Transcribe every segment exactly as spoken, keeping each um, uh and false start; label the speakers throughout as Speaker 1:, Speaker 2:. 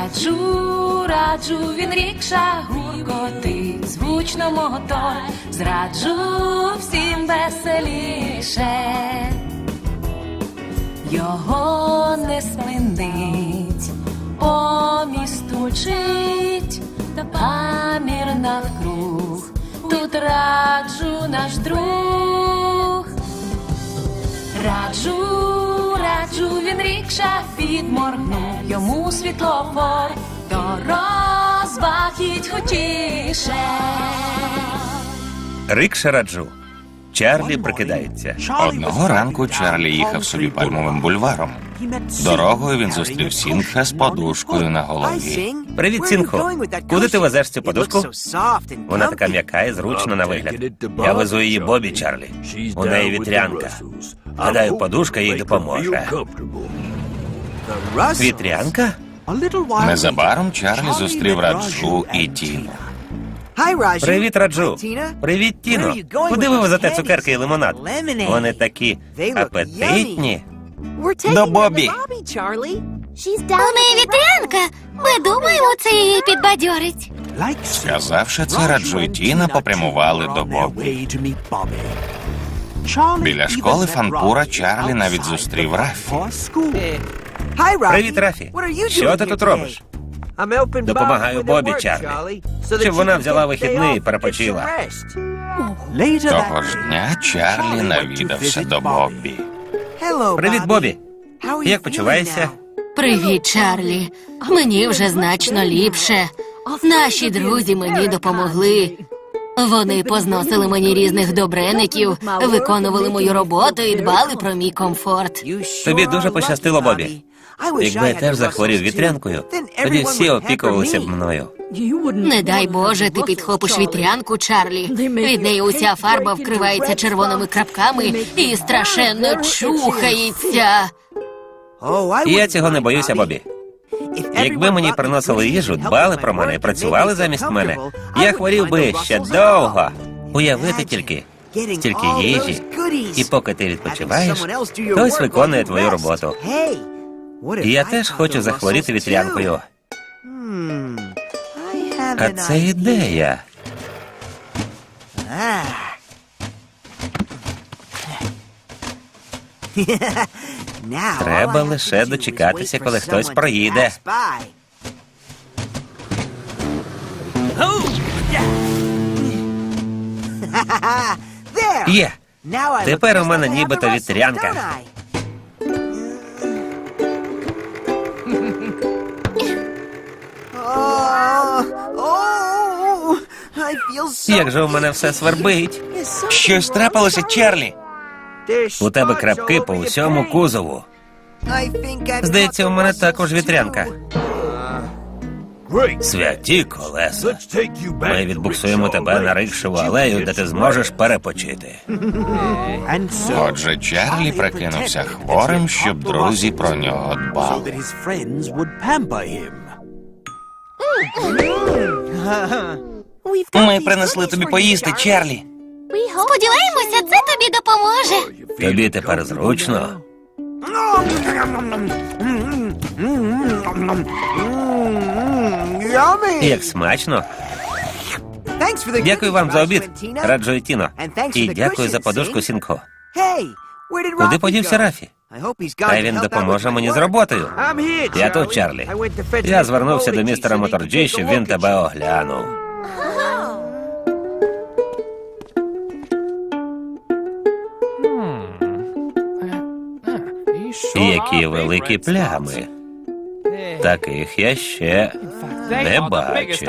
Speaker 1: Раджу, раджу, він рікша гуркотить, звучно мотор, зраджу всім веселіше. Його не спинить, по місту мчить, памір навкруг, тут раджу наш друг. Раджу, раджу, він рікша підморгнув, йому світлофор, до розваг їдь хутіше.
Speaker 2: Рикша раджу. Чарлі прикидається.
Speaker 3: Одного ранку Чарлі їхав собі пальмовим бульваром. Дорогою він зустрів Сінгха з подушкою на голові.
Speaker 2: Привіт, Сінгхо. Куди ти везеш цю подушку? Вона така м'яка і зручна на вигляд. Я везу її Бобі, Чарлі. У неї вітрянка. Гадаю, подушка їй допоможе. Вітрянка?
Speaker 3: Незабаром Чарлі зустрів Раджу і Тіну.
Speaker 2: Привіт, Раджу. Привіт, Тіно. Куди ви везете цукерки і лимонад? Вони такі апетитні.
Speaker 3: До Бобі.
Speaker 4: У неї вітрянка. Ми думаємо, це її підбадьорить.
Speaker 3: Сказавши це, Раджу і Тіна попрямували до Бобі. Біля школи Фанпура Чарлі навіть зустрів Рафі.
Speaker 2: Привіт, Рафі. Що ти тут робиш? Допомагаю Бобі, Чарлі, щоб вона взяла вихідний і перепочила.
Speaker 3: Того ж дня Чарлі навідався до Бобі.
Speaker 2: Привіт, Бобі. Як почуваєшся?
Speaker 4: Привіт, Чарлі. Мені вже значно ліпше. Наші друзі мені допомогли. Вони позносили мені різних добреників, виконували мою роботу і дбали про мій комфорт.
Speaker 2: Тобі дуже пощастило, Бобі. Якби я теж захворів вітрянкою, тоді всі опікувалися б мною.
Speaker 4: Не дай Боже, ти підхопиш вітрянку, Чарлі. Від неї уся фарба вкривається червоними крапками і страшенно чухається.
Speaker 2: Я цього не боюся, Бобі. Якби мені приносили їжу, дбали про мене і працювали замість мене, я хворів би ще довго. Уявити тільки, стільки їжі, і поки ти відпочиваєш, хтось виконує твою роботу. І я теж хочу захворіти вітрянкою. А це ідея. Треба лише дочекатися, коли хтось проїде. Є. Тепер у мене нібито вітрянка. Як же у мене все свербить.
Speaker 3: Щось трапилося, Чарлі?
Speaker 2: У тебе крапки по усьому кузову. Здається, у мене також вітрянка. Святі колеса. Ми відбуксуємо тебе на рикшеву алею, де ти зможеш перепочити.
Speaker 3: Отже, Чарлі прикинувся хворим, щоб друзі про нього дбали. Ми принесли тобі поїсти, Чарлі.
Speaker 4: Сподіваємося, це тобі допоможе.
Speaker 2: Тобі тепер зручно. Як смачно. Дякую вам за обід, Раджу і Тіно. І дякую за подушку, Сінгхо. Куди подівся Рафі? Хай він допоможе мені з роботою. Я тут, Чарлі. Я звернувся до містера Моторджі, щоб він тебе оглянув. Які великі плями. Таких я ще не бачив.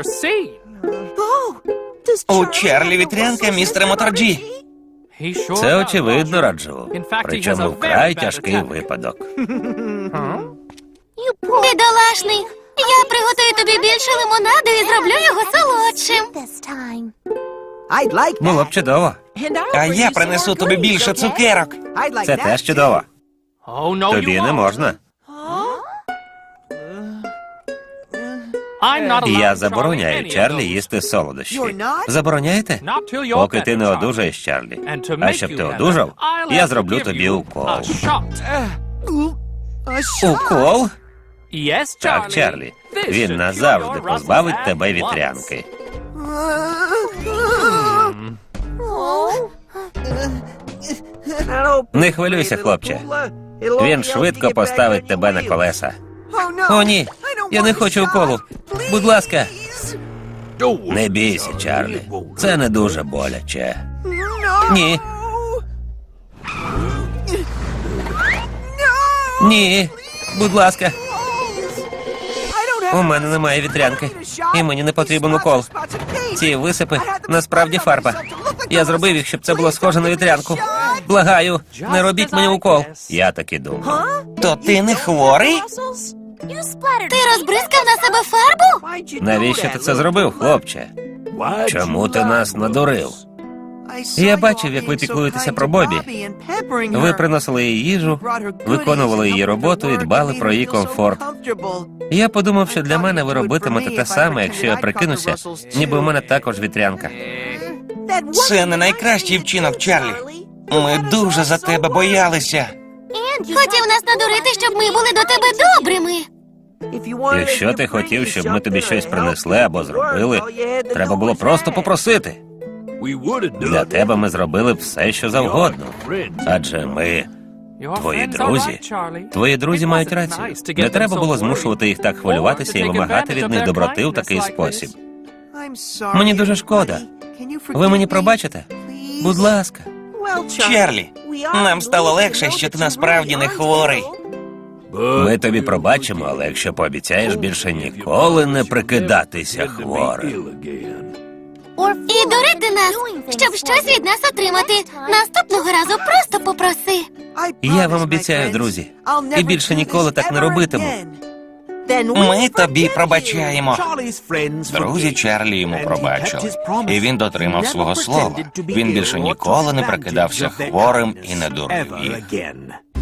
Speaker 3: У Чарлі вітрянка, містер Моторджі.
Speaker 2: Це очевидно, Раджу. Причому вкрай тяжкий випадок.
Speaker 4: Бідолашний, я приготую тобі більше лимонаду і зроблю його солодшим.
Speaker 2: Було б чудово.
Speaker 3: А я принесу тобі більше цукерок.
Speaker 2: Це теж чудово. Тобі не можна. Я забороняю Чарлі їсти солодощі. Забороняєте? Поки ти не одужаєш, Чарлі. А щоб ти одужав, я зроблю тобі укол. Укол? Так, Чарлі. Він назавжди позбавить тебе вітрянки. Не хвилюйся, хлопче. Він швидко поставить тебе на колеса. О, ні, я не хочу уколу. Будь ласка. Не бійся, Чарлі. Це не дуже боляче. Ні. Ні. Будь ласка. У мене немає вітрянки. І мені не потрібен укол. Ці висипи насправді фарба. Я зробив їх, щоб це було схоже на вітрянку. Благаю, не робіть мені укол. Я так і думав.
Speaker 3: То ти не хворий?
Speaker 4: Ти розбризкав на себе фарбу?
Speaker 2: Навіщо ти це зробив, хлопче? Чому ти нас надурив? Я бачив, як ви піклуєтеся про Бобі. Ви приносили їй їжу, виконували її роботу і дбали про її комфорт. Я подумав, що для мене ви робитимете те саме, якщо я прикинуся, ніби у мене також вітрянка.
Speaker 3: Це не найкращий вчинок, Чарлі. Ми дуже за тебе боялися.
Speaker 4: Хотів нас надурити, щоб ми були до тебе добрими.
Speaker 2: Якщо ти хотів, щоб ми тобі щось принесли або зробили, треба було просто попросити. Для тебе ми зробили б все, що завгодно. Адже ми твої друзі. Твої друзі мають рацію. Не треба було змушувати їх так хвилюватися і вимагати від них доброти в такий спосіб. Мені дуже шкода. Ви мені пробачите? Будь ласка.
Speaker 3: Чарлі, нам стало легше, що ти насправді не хворий.
Speaker 2: Ми тобі пробачимо, але якщо пообіцяєш більше ніколи не прикидатися хворим.
Speaker 4: І дурити нас, щоб щось від нас отримати. Наступного разу просто попроси.
Speaker 2: Я вам обіцяю, друзі, і більше ніколи так не робитиму.
Speaker 3: Ми тобі пробачаємо. Друзі Чарлі йому пробачили. І він дотримав свого слова. Він більше ніколи не прикидався хворим і не дурив їх.